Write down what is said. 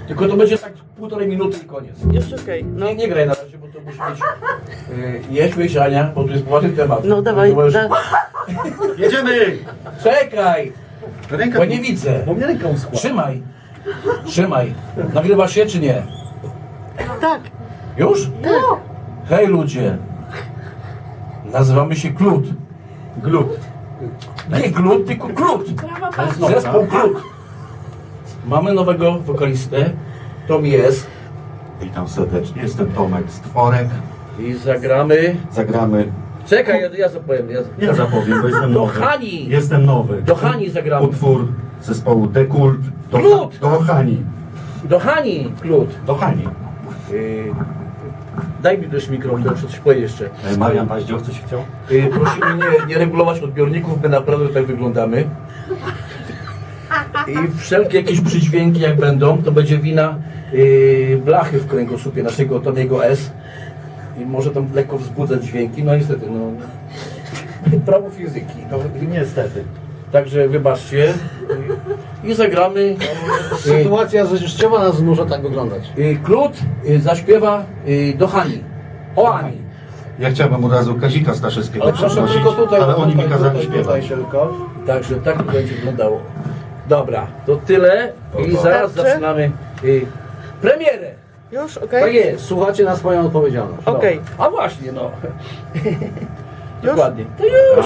Tylko to będzie tak 1,5 minuty i koniec. Już okej. No. Nie graj na razie, bo to musi być... Jedźmy, Ania, bo to jest poważny temat. No dawaj, Jedziemy! Czekaj, Ręka bo nie widzę. Bo mnie ręka uschła. Trzymaj. Trzymaj. Nagrywasz się czy nie? Tak. Już? Tak. Hej ludzie. Nazywamy się Klut. Glut. Nie Glut, tylko Klut. Zespół Klut. Mamy nowego wokalistę. Tom jest. Witam serdecznie, jestem Tomek Stworek. I zagramy... Zagramy. Czekaj, ja zapowiem. Ja zapowiem, bo jestem Do nowy. Hani. Jestem nowy. Do Hani zagramy. Utwór zespołu Dekult. Glut! Do Hani. Do Hani, Klut. Do Hani. Daj mi też mikrofon, to muszę coś powiedzieć jeszcze. Marian Paździoch coś chciał? Prosimy nie regulować odbiorników, my naprawdę tak wyglądamy. I wszelkie jakieś przydźwięki jak będą, to będzie wina blachy w kręgosłupie naszego Tomiego S. I może tam lekko wzbudzać dźwięki, no niestety, no. Prawo fizyki. No. Niestety. Także wybaczcie. I zagramy. Sytuacja życiowa nas zmusza tak wyglądać. Klut zaśpiewa do Hani. O Ani. Ja chciałbym od razu Kazika Staszewskiego Ale proszę przeprosić, tylko tutaj, ale oni mi kazali tutaj śpiewać. tylko. Także tak to będzie wyglądało. Dobra, to tyle i zaraz Starczy? zaczynamy premierę. Już? Tak Okej? jest. Słuchacie na swoją odpowiedzialność. No. Okej. A właśnie, no. Już? Dokładnie. To już.